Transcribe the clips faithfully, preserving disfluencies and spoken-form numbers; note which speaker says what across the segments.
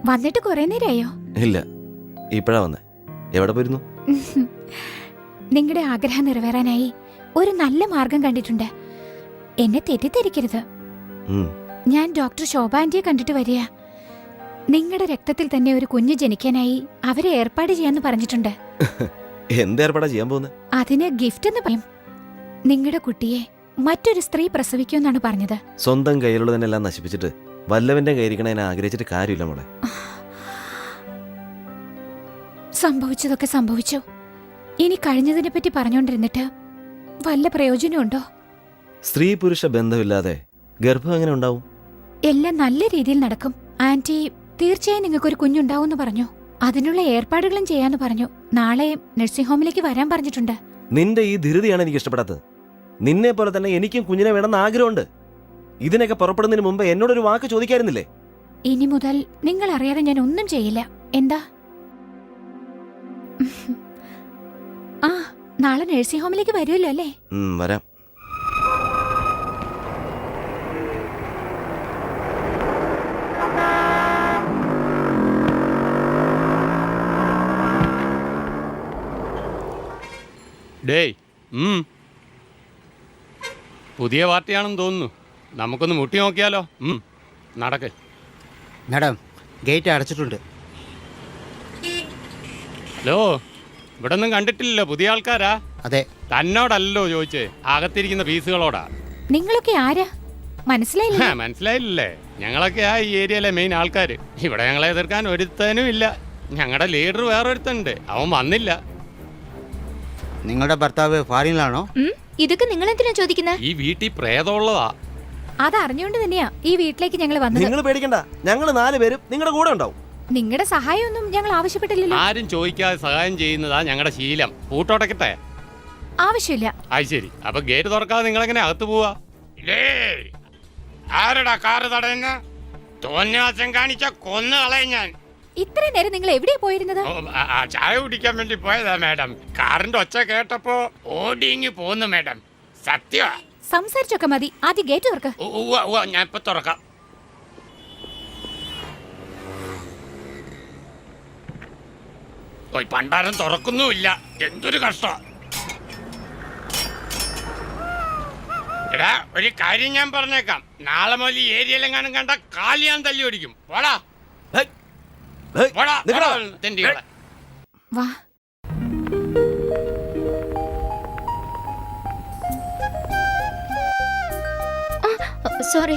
Speaker 1: വന്നിട്ട് കുറെ നേരമായോ?
Speaker 2: ഇല്ല, ഇപ്പഴാ വന്നേ. എവിടെ പോയിരുന്നു?
Speaker 1: നിങ്ങളുടെ ആഗ്രഹം നിറവേറാനായി ഒരു നല്ല മാർഗം കണ്ടിട്ടുണ്ട്. എന്നെ തെറ്റിദ്ധരിക്കരുത്. ഞാൻ ഡോക്ടർ ശോഭ ആന്റിയെ കണ്ടിട്ട് വരിക. നിങ്ങളുടെ രക്തത്തിൽ തന്നെ ഒരു കുഞ്ഞ് ജനിക്കാനായി അവരെ ഏർപ്പാട് ചെയ്യാന്ന് പറഞ്ഞിട്ടുണ്ട്.
Speaker 2: എന്ത് ഏർപ്പാടാ ചെയ്യാൻ പോകുന്നത്?
Speaker 1: അതിന് ഗിഫ്റ്റ് എന്ന് പറയും. നിങ്ങളുടെ കുട്ടിയെ മറ്റൊരു സ്ത്രീ പ്രസവിക്കുമെന്നാണ് പറഞ്ഞത്.
Speaker 2: സ്വന്തം കയ്യിലുള്ളതിനെല്ലാം നശിപ്പിച്ചിട്ട് വല്ലവന്റെ കയ്യിരിക്കണ ആഗ്രഹിച്ചിട്ട് കാര്യമില്ല മോളെ.
Speaker 1: സംഭവിച്ചതൊക്കെ സംഭവിച്ചു. ഇനി കഴിഞ്ഞതിനെ പറ്റി പറഞ്ഞോണ്ടിരുന്നിട്ട് വല്ല പ്രയോജനമുണ്ടോ?
Speaker 2: സ്ത്രീ പുരുഷ ബന്ധമില്ലാതെ ഗർഭം എങ്ങനെ ഉണ്ടാവും?
Speaker 1: എല്ലാം നല്ല രീതിയിൽ നടക്കും. ആന്റി തീർച്ചയായും നിങ്ങൾക്കൊരു കുഞ്ഞുണ്ടാവും പറഞ്ഞു. അതിനുള്ള ഏർപ്പാടുകളും ചെയ്യാന്ന് പറഞ്ഞു. നാളെ നഴ്സിംഗ് ഹോമിലേക്ക് വരാൻ പറഞ്ഞിട്ടുണ്ട്.
Speaker 2: നിന്റെ ഈ ധൃതിയാണ് എനിക്ക് ഇഷ്ടപ്പെടാത്തത്. നിന്നെ പോലെ തന്നെ എനിക്കും കുഞ്ഞിനെ വേണമെന്ന് ആഗ്രഹമുണ്ട്. ഇതിനൊക്കെ പുറപ്പെടുന്നതിന് മുമ്പ് എന്നോടൊരു വാക്ക് ചോദിക്കായിരുന്നില്ലേ?
Speaker 1: ഇനി മുതൽ നിങ്ങൾ അറിയാതെ ഞാൻ ഒന്നും ചെയ്യില്ല. എന്താ? ആ, നാളെ നഴ്സിംഗ് ഹോമിലേക്ക് വരുമല്ലോ അല്ലേ?
Speaker 2: വരാം.
Speaker 3: ഡേയ്, പുതിയ പാർട്ടിയാണെന്ന് തോന്നുന്നു. നമുക്കൊന്ന് മുട്ടി നോക്കിയാലോ? നടക്ക്.
Speaker 4: Madam, gate അടച്ചിട്ടുണ്ട്.
Speaker 3: ഹലോ, ഇവിടെ ഒന്നും കണ്ടിട്ടില്ലല്ലോ. പുതിയ ആൾക്കാരാ?
Speaker 4: അതെ.
Speaker 3: തന്നോടല്ലോ ചോദിച്ചേ, അകത്തിരിക്കുന്ന പീസുകളോടാ.
Speaker 1: നിങ്ങളൊക്കെ ആരാ? മനസ്സിലായില്ല?
Speaker 3: മനസ്സിലായില്ലേ? ഞങ്ങളൊക്കെയാ ഈ ഏരിയയിലെ മെയിൻ ആൾക്കാര്. ഇവിടെ ഞങ്ങളെ എതിർക്കാൻ ഒരുത്തനും ഇല്ല. ഞങ്ങളുടെ ലീഡർ വേറൊരുത്തനുണ്ട്, അവൻ വന്നില്ല.
Speaker 4: നിങ്ങളുടെ ഭർത്താവ് ഫാറിനിലാണോ?
Speaker 1: ഇതൊക്കെ നിങ്ങൾ എന്തിനാ ചോദിക്കുന്നത്?
Speaker 3: ഈ വീട്ടിൽ പ്രേതമുള്ളതാ.
Speaker 1: അതറിഞ്ഞുകൊണ്ട് തന്നെയാ ഈ വീട്ടിലേക്ക് ഞങ്ങൾ വന്നത്.
Speaker 2: നിങ്ങൾ പേടിക്കണ്ട, ഞങ്ങൾ നാല് പേരും നിങ്ങളുടെ കൂടെ ഉണ്ടാവും.
Speaker 1: നിങ്ങളുടെ സഹായമൊന്നും ഞങ്ങൾ ആവശ്യപ്പെട്ടില്ലല്ലോ.
Speaker 3: ആരും ചോദിക്കാതെ സഹായം ചെയ്യുന്നതാ ഞങ്ങളുടെ ശീലം. പൂട്ടോടക്കട്ടെ?
Speaker 1: ആവശ്യമില്ല.
Speaker 3: അത് ശരി. അപ്പൊ ഗേറ്റ് തുറക്കാതെ നിങ്ങൾ എങ്ങനെ അകത്ത് പോവാ? ആരടാ കാറ് തടയുന്ന? തോന്നിയാസം കാണിച്ച കൊന്നു കളയും ഞാൻ.
Speaker 1: ഇത്രയും നേരം നിങ്ങൾ എവിടെയാ പോയിരുന്നത്?
Speaker 3: ചായ കുടിക്കാൻ വേണ്ടി പോയതാ മാഡം. കാറിന്റെ ഒച്ച കേട്ടപ്പോ ഓടിങ്ങി പോന്നു മാഡം. സത്യമാ.
Speaker 1: സംസാരിച്ചൊക്കെ മതി, ആദ്യം ഗേറ്റ് തുറക്ക.
Speaker 3: ഞാൻ ഇപ്പൊ തുറക്കാം. ഓയ് പണ്ടാരം തുറക്കുന്നുമില്ല. എന്തൊരു കഷ്ടം. എടാ, ഒരു കാര്യം ഞാൻ പറഞ്ഞേക്കാം. നാളെ മുതൽ ഈ ഏരിയയിലെങ്ങാനും കണ്ട കാലി ഞാൻ തല്ലി ഓടിക്കും. പോടാ.
Speaker 1: വാ. സോറി.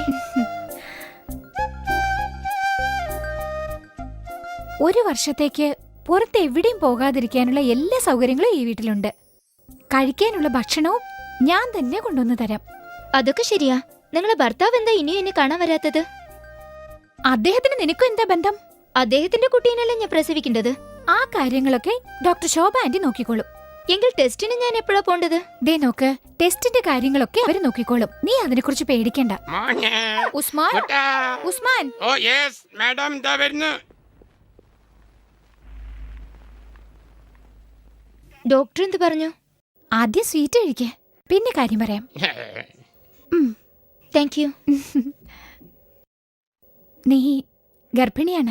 Speaker 1: ഒരു വർഷത്തേക്ക് പുറത്ത് എവിടെയും പോകാതിരിക്കാനുള്ള എല്ലാ സൗകര്യങ്ങളും ഈ വീട്ടിലുണ്ട്. കഴിക്കാനുള്ള ഭക്ഷണവും ഞാൻ തന്നെ കൊണ്ടുവന്ന് തരാം.
Speaker 5: അതൊക്കെ ശരിയാ. നിങ്ങളെ ഭർത്താവ് എന്താ ഇനിയും എന്നെ കാണാൻ വരാത്തത്?
Speaker 1: അദ്ദേഹത്തിന് നിനക്കും എന്താ ബന്ധം?
Speaker 5: അദ്ദേഹത്തിന്റെ കുട്ടീനല്ലേ ഞാൻ പ്രസവിക്കേണ്ടത്.
Speaker 1: ആ കാര്യങ്ങളൊക്കെ ഡോക്ടർ ശോഭ ആന്റി നോക്കിക്കോളും.
Speaker 5: എങ്കിൽ ടെസ്റ്റിന് ഞാൻ എപ്പോഴാ പോണ്ടത്?
Speaker 1: ദേ നോക്ക്, ടെസ്റ്റിന്റെ കാര്യങ്ങളൊക്കെ അവര് നോക്കിക്കോളും. നീ അതിനെ കുറിച്ച് പേടിക്കണ്ട. ഉസ്മാൻ, ഉസ്മാൻ.
Speaker 3: ഓ യെസ് മാഡം, ദാ വരുന്നു.
Speaker 5: ഡോക്ടർ എന്ത് പറഞ്ഞു?
Speaker 1: ആദ്യം സ്വീറ്റ് കഴിക്കേ, പിന്നെ കാര്യം പറയാം.
Speaker 5: Thank you.
Speaker 1: നീ ഗർഭിണിയാണ്.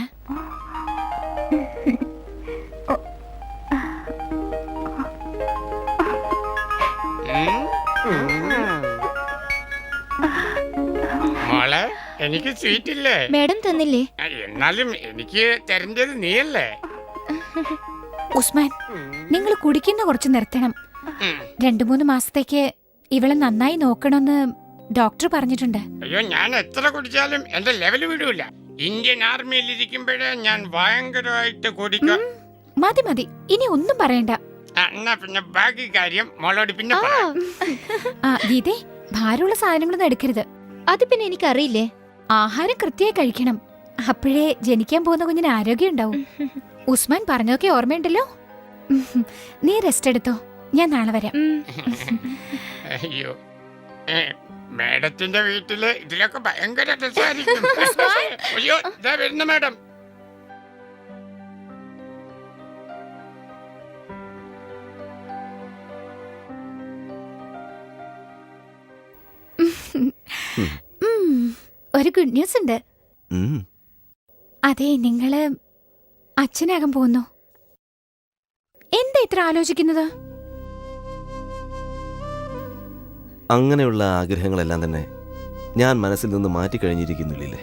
Speaker 3: മോളെ, എനിക്ക് സ്വീറ്റ് ഇല്ലേ?
Speaker 5: മാഡം തന്നില്ലേ?
Speaker 3: എന്നാലും എനിക്ക് തരേണ്ടത് നീയല്ലേ?
Speaker 1: ഉസ്മാൻ, നിങ്ങൾ കുടിക്കുന്ന കുറച്ച് നിർത്തണം. രണ്ടു മൂന്ന് മാസത്തേക്ക് ഇവളെ നന്നായി നോക്കണമെന്ന് ഡോക്ടർ പറഞ്ഞിട്ടുണ്ട്.
Speaker 3: അയ്യോ, ഞാൻ എത്ര കുടിച്ചാലും എന്റെ ലെവല് വിടൂല. ഇന്ത്യൻ ആർമിയിൽ ഇരിക്കുമ്പോഴേ ഞാൻ ഭയങ്കരമായിട്ട് കുടിക്കും.
Speaker 1: മതി മതി, ഇനി ഒന്നും പറയണ്ട.
Speaker 3: എന്നാ പിന്നെ ബാക്കി കാര്യം മോളോട് പിന്നെ
Speaker 1: ആ ഗീതേ, ഭാരമുള്ള സാധനങ്ങളൊന്നും എടുക്കരുത്.
Speaker 5: അത് പിന്നെ എനിക്കറിയില്ലേ.
Speaker 1: ആഹാരം കൃത്യമായി കഴിക്കണം. അപ്പോഴേ ജനിക്കാൻ പോകുന്ന കുഞ്ഞിന് ആരോഗ്യം ഉണ്ടാവും. ഉസ്മാൻ പറഞ്ഞതൊക്കെ ഓർമ്മയുണ്ടല്ലോ. നീ റെസ്റ്റ് എടുത്തോ, ഞാൻ നാളെ വരാം.
Speaker 3: അയ്യോ, മേഡത്തിന്റെ വീട്ടില് ഇതിലൊക്കെ ഭയങ്കര രസമായിരിക്കും. അയ്യോ, ഇതാ വരുന്നു മേഡം.
Speaker 1: ഒരു ഗുഡ് ന്യൂസ് ഉണ്ട്. അതെ, നിങ്ങള് അച്ഛനാകാൻ പോകുന്നു. എന്താ ഇത്ര ആലോചിക്കുന്നത്?
Speaker 2: അങ്ങനെയുള്ള ആഗ്രഹങ്ങളെല്ലാം തന്നെ ഞാൻ മനസ്സിൽ നിന്ന് മാറ്റിക്കഴിഞ്ഞിരിക്കുന്നില്ലേ.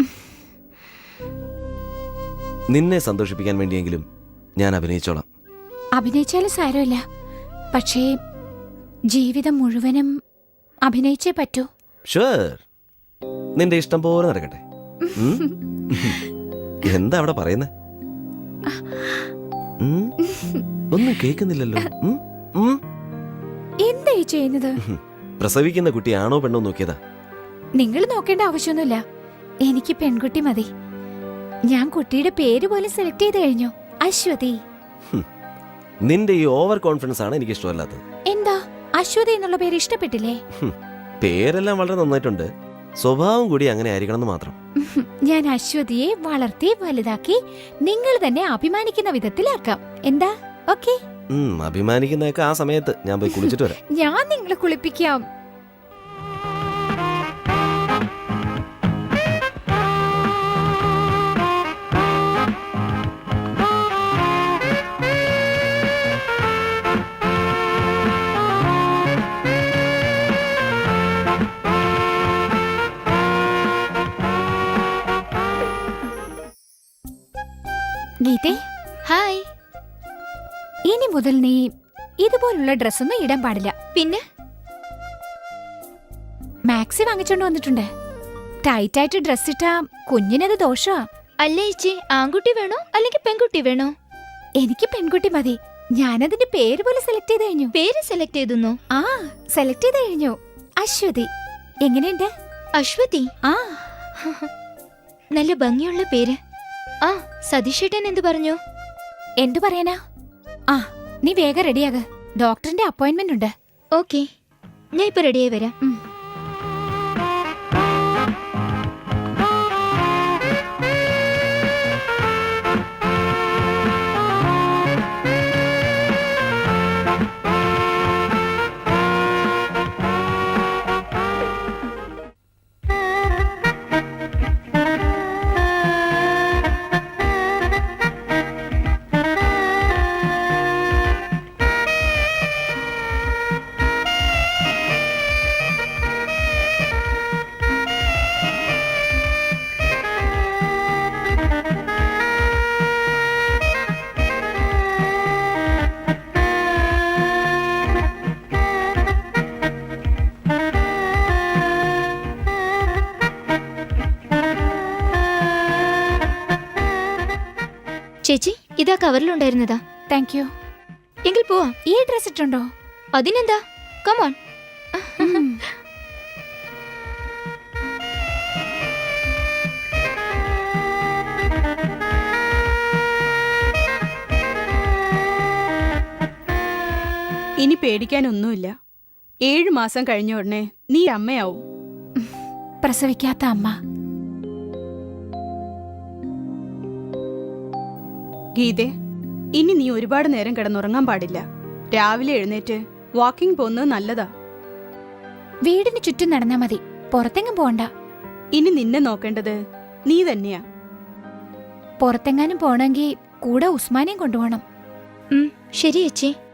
Speaker 2: നിന്നെ സന്തോഷിപ്പിക്കാൻ വേണ്ടിയെങ്കിലും ഞാൻ അഭിനയിച്ചോളാം.
Speaker 1: അഭിനയിച്ചാലും സാരമില്ല, പക്ഷേ ജീവിതം മുഴുവനും അഭിനയിച്ചേ പറ്റൂ.
Speaker 2: ഷുവർ, നിന്റെ ഇഷ്ടം പോലെ നടക്കട്ടെ. ഉം? എന്താ അവിടെ പറയുന്നേ? ഉം? ഒന്നും കേൾക്കുന്നില്ലല്ലോ. ഉം? ഉം?
Speaker 1: എന്താ ഈ ചെയ്യുന്നത്?
Speaker 2: പ്രസവിക്കുന്ന കുട്ടി ആണോ പെണ്ണോ നോക്കിയതാ.
Speaker 1: നിങ്ങൾ നോക്കേണ്ട ആവശ്യമൊന്നുമില്ല. എനിക്ക് പെൺകുട്ടി മതി. ഞാൻ കുട്ടിയുടെ പേര് പോലും സെലക്ട് ചെയ്ത് കഴിഞ്ഞു. അശ്വതി.
Speaker 2: നിന്റെ ഈ ഓവർ കോൺഫിഡൻസ് ആണ് എനിക്ക് ഇഷ്ടമല്ലാത്തത്.
Speaker 1: എന്താ, അശ്വതി എന്നുള്ള പേര് ഇഷ്ടപ്പെട്ടില്ലേ?
Speaker 2: പേരെല്ലാം വളരെ നന്നായിട്ടുണ്ട്, സ്വഭാവം കൂടി അങ്ങനെ ആയിരിക്കണം എന്ന് മാത്രം.
Speaker 1: ഞാൻ അശ്വതിയെ വളർത്തി വലുതാക്കി നിങ്ങൾ തന്നെ അഭിമാനിക്കുന്ന വിധത്തിലാക്കാം. എന്താ? ഓക്കെ.
Speaker 2: ഉം, അഭിമാനിക്കുന്നതൊക്കെ ആ സമയത്ത് ഞാൻ പോയി കുളിച്ചിട്ട് വരാം.
Speaker 1: ഞാൻ നിങ്ങളെ കുളിപ്പിക്കാം. ഗീതേ,
Speaker 5: ഹായ്.
Speaker 1: ഇനി മുതൽ നീ ഇതുപോലുള്ള ഡ്രസ്സൊന്നും ഇടാൻ പാടില്ല.
Speaker 5: പിന്നെ
Speaker 1: മാക്സി വാങ്ങിച്ചോണ്ട് വന്നിട്ടുണ്ട്. ടൈറ്റ് ആയിട്ട് ഡ്രസ് ഇട്ടാ കുഞ്ഞിനത് ദോഷമാ.
Speaker 5: അല്ലേ ചേച്ചി, ആൺകുട്ടി വേണോ അല്ലെങ്കിൽ പെൺകുട്ടി വേണോ?
Speaker 1: എനിക്ക് പെൺകുട്ടി മതി. ഞാനതിന്റെ പേര് പോലെ സെലക്ട് ചെയ്ത് കഴിഞ്ഞു.
Speaker 5: പേര് സെലക്ട് ചെയ്തു?
Speaker 1: ആ, സെലക്ട് ചെയ്ത് കഴിഞ്ഞു. അശ്വതി. എങ്ങനെയുണ്ട്?
Speaker 5: അശ്വതി?
Speaker 1: ആ,
Speaker 5: നല്ല ഭംഗിയുള്ള പേര്. ആ, സതീഷേട്ടൻ എന്തു പറഞ്ഞു?
Speaker 1: എന്തു പറയാനാ? ആ, നീ വേഗം റെഡിയാക. ഡോക്ടറിന്റെ അപ്പോയിന്റ്മെന്റ് ഉണ്ട്.
Speaker 5: ഓക്കെ, ഞാൻ ഇപ്പൊ റെഡിയായി വരാം.
Speaker 1: ഉം.
Speaker 5: ചേച്ചി, ഇതാ കവറിലുണ്ടായിരുന്നതാ.
Speaker 1: Thank you.
Speaker 5: എങ്കിൽ പോവാ.
Speaker 1: ഈ ഡ്രസ് ഇട്ടുണ്ടോ?
Speaker 5: അതിനെന്താ, കമോൺ.
Speaker 6: ഇനി പേടിക്കാനൊന്നുമില്ല. ഏഴു മാസം കഴിഞ്ഞ ഉടനെ നീ അമ്മയാവും.
Speaker 1: പ്രസവിക്കാത്ത അമ്മ.
Speaker 6: ഗീതേ, ഇനി നീ ഒരുപാട് നേരം കിടന്നുറങ്ങാൻ പാടില്ല. രാവിലെ എഴുന്നേറ്റ് വാക്കിംഗ് പോകുന്നത് നല്ലതാ.
Speaker 1: വീടിന് ചുറ്റും നടന്നാ മതി, പുറത്തെങ്ങും പോണ്ട.
Speaker 6: ഇനി നിന്നെ നോക്കേണ്ടത് നീ തന്നെയാ.
Speaker 1: പുറത്തെങ്ങാനും പോണെങ്കിൽ കൂടെ ഉസ്മാനെയും കൊണ്ടുപോകണം.
Speaker 5: ശരി ചേച്ചി.